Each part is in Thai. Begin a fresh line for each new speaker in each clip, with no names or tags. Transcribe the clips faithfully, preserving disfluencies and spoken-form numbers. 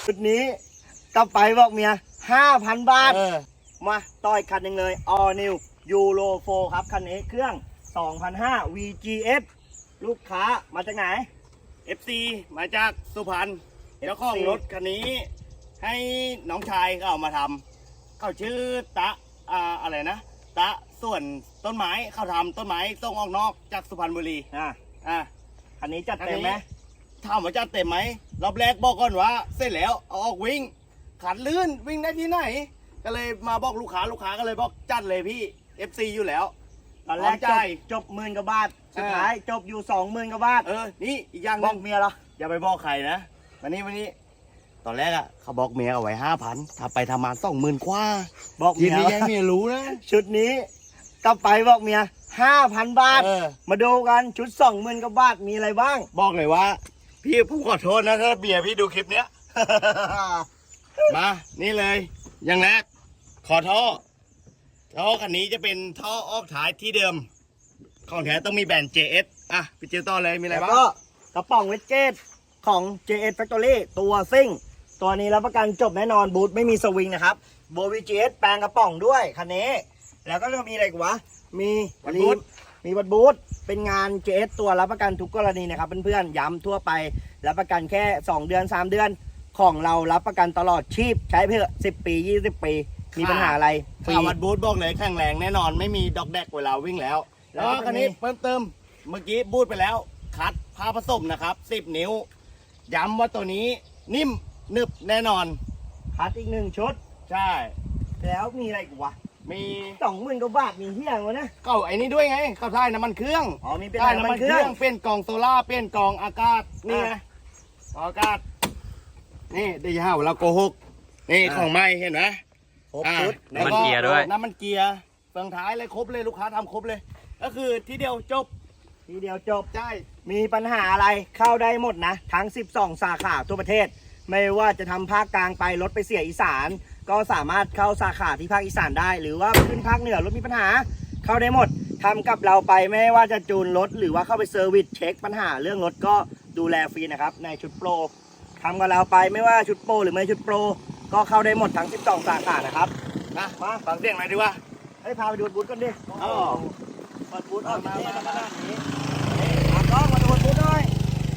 ชุดนี้กลับไปบอกเมียห้าพันบาท
เออ
มาต่อยคันหนึ่งเลย All New Euro โฟร์ ครับ คันนี้เครื่อง สองพันห้า วี จี เอส ลูกค้ามาจากไหน
เอฟ ซี มาจากสุพรรณเจ้าของรถคันนี้ ให้น้องชายเขาเอามาทำเขาชื่อตะอ่าอะไรนะ ตะส่วนต้นไม้เขาทำต้นไม้ส่งออกนอกจากสุพรรณบุรี
อ่ะ
อ่ะ
คันนี้จัดเต็มไหม
ถามว่าจัดเต็มไหมรอบแรกบอกก่อนว่าเสร็จแล้วเอาออกวิ่งขันลื่นวิ่งได้ที่ไหน ก็เลยมาบอกลูกค้าลูกค้าก็เลยบอกจัดเลยพี่ เอฟ ซี อยู่แล้ว
ตอนแรกจ
จ่า
บ
ย
จบหมื่นกว่าบาท สุดท้ายจบอยู่สองหมื่นกว่าบาท
เออ นี่อีกอย่างห
บ
นึ
อก
ง
เมียเหรอ
อย่าไปบอกใครนะวันนี้วันนี้ ตอนแรกอ่ะเขาบอกเมียเอาไว้ห้าพันถ้าไปทำมาสองหมื่นกว่า
บอก
ที
เมีย
นี้ยังเมียรู้นะ
ชุดนี้กลับไปบอกเมียห้าพันบาท
เออ
มาดูกันชุดสองหมื่นกว่าบาทมีอะไรบ้าง
บอกเลยว่า พี่ผมขอโทษนะถ้าเบียร์พี่ดูคลิปเนี้ย มา นี่เลย อย่างแรก ขอท่อ ท่อคันนี้จะเป็นท่อออกท้ายที่เดิม ของแท้ต้องมีแบรนด์ เจ เอส อ่ะพี่เจิวต่อเลย มีอะไร
แล้ว
บ้าง
ก็กระป๋องเวจเจตของ เจ เอส Factory ตัวซิ่ง ตัวนี้รับประกันจบแน่นอนบูทไม่มีสวิงนะครับโบวี จี เอส แปลงกระป๋องด้วยคันนี้ แล้วก็จะมีอะไรอีกวะ มี
วัดบูท
มีวัดบูทเป็นงาน เจ เอส ตัวรับประกันทุกกรณีนะครับเพื่อนๆย้ำทั่วไปรับประกันแค่สองเดือนสามเดือนของเรารับประกันตลอดชีพใช้เพื่อสิบปียี่สิบปีมีปัญหาอะไรฟรี
ข่าววัดบูธบอกเลยแข็งแรงแน่นอนไม่มีดอกแดกเวลาวิ่งแล้ว
แล้
แล้ว ว
ก็
คันนี้
มี
เพิ่มเติมเมื่อกี้บูธไปแล้ว คัดผ้าผสมนะครับสิบนิ้ว ย้ำว่าตัวนี้นิ่มหนึบแน่นอน
คัดอีกหนึ่งชุด
ใช่
แล้วมีอะไรอีกวะ
มี
สองหมื่นกว่าบาทมีเที่ยงวะนะ
เก่าไอ้นี้ด้วยไงเข้าท้ายน้ำมันเครื่อง
อ๋อมีเป็น
ใช่
น้ำ
น้ำ
มั
มัน น
เค
เค
รื่
รื่
อ
อง งเปลี่ยนกล่องโซล่าร์เปลี่ยนกล่องอากาศนี่ไง
อ่ะ
กล่องอากาศนี่เดี๋ยวจะหาว่าเราโกหกนี่
อ่ะ
ของใหม่เห็นไหม
ครบ
อ่ะ
ชุด
แล้ว
น้ำมันเกียร์ด้วย
น้ำมันเกียร์เฟืองท้ายเลยครบเลยลูกค้าทำครบเลย ก็คือทีเดียวจบ
ทีเดียวจบ
ใช่
มีปัญหาอะไรเข้าได้หมดนะ ทั้งสิบสองสาขาทั่วประเทศ ไม่ว่าจะทำภาคกลางไปรถไปเสียอีสาน ก็สามารถเข้าสาขาที่ภาคอีสานได้ หรือว่าขึ้นภาคเหนือรถมีปัญหา เข้าได้หมดทำกับเราไปไม่ว่าจะจูนรถหรือว่าเข้าไปเซอร์วิสเช็คปัญหาเรื่องรถก็ดูแลฟรีนะครับในชุดโปรทำกับเราไปไม่ว่าชุดโปรหรือไม่ชุดโปรก็เข้าได้หมดทั้งสิบสองสาขานะครับ
นะมาฟังเสียงหน่อยดีกว่า
ให้พาไปดูบูธกันดิ
อ๋อ
เปิดบูธออกมา
มา
มา
มา
ขนาดนี้มากล้องมาดูบูธหน่อย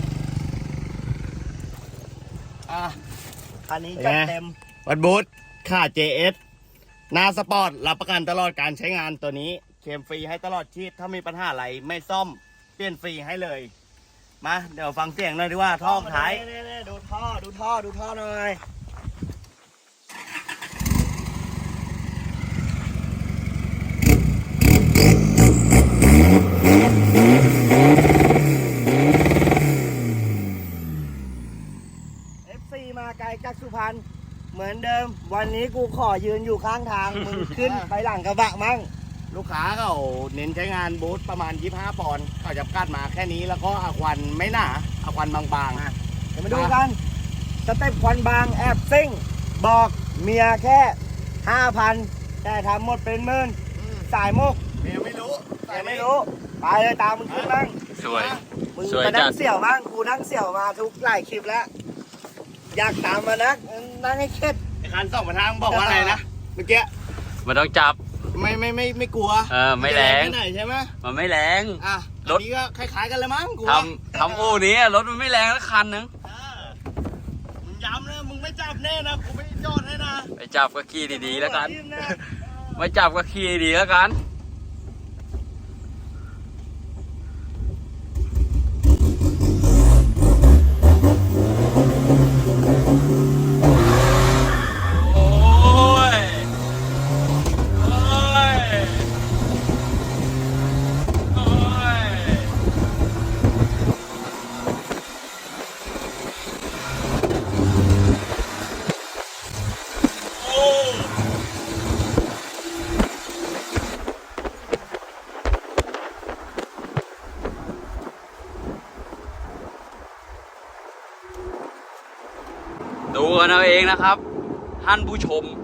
อ่ะ
คันนี้จัดเต็ม
วัดบูธค่า เจ เอส หน้าสปอร์ตรับประกันตลอดการใช้งานตัวนี้เคลมฟรีให้ตลอดชีพถ้ามีปัญหาอะไรไม่ซ่อมเปลี่ยนฟรีให้เลย มาเดี๋ยวฟังเสียงหน่อยดีว่าท่อท้าย
นี่ๆๆดูท่อดูท่อดูท่อหน่อยเอฟซีมาไกลจากสุพรรณเหมือนเดิม วันนี้กูขอยืนอยู่ข้างทาง มึงขึ้นไปหลังกระบะมั่ง
ลูกค้าเขาเน้นใช้งานบูธประมาณยี่สิบห้าปอนด์เขาจะกัดมาแค่นี้แล้วก็อาควันไม่หนาอาควันบาง
อ่ะ เดี๋ยวมาดูกัน สเต็ปควันบางแอบซิ่ง บอกเมียแค่ห้าพันแต่ทำหมดเป็นหมื่น
ๆ
สายมุก
เมียไม่รู้
แต่ไม่รู้ ไปเลยตามมึงขึ้นบ้าง
สวย
มึง
สวย
มานั่
จั
ง
ด
เสี่ยวบ้างกูนั่งเสี่ยวมาทุกหลายคลิปแล้ว อยากตามมานักนั่งให้เข็ด
ไอ้คันสองประทางบอกว่าอะไรนะเมื่อกี้
มันต้องจับ
ไม่ไม่ไม่ไม่กลัว
เออไม่แรง
ไม่ไหนใช่ไหม
มันไม่แรง
อ่ะ
ร
ร
ถ
ถนี้ก็คล้ายๆกันเลยมั้งกู
ท
ว่า
ำทำอู่นี้รถมันไม่แรงสักคันนึง
เออมึงย้ำนะมึงไม่จับแน่นะกูไม่จอดให้นะ
ไปจับก็ขี่ดีๆแล้วกัน
ยิ้มนะ
ไม่จับก็ขี่ดีๆแล้วกัน โอ้ย โอ้ย โอ้ย โอ้ ดูกันเอาเองนะครับท่านผู้ชม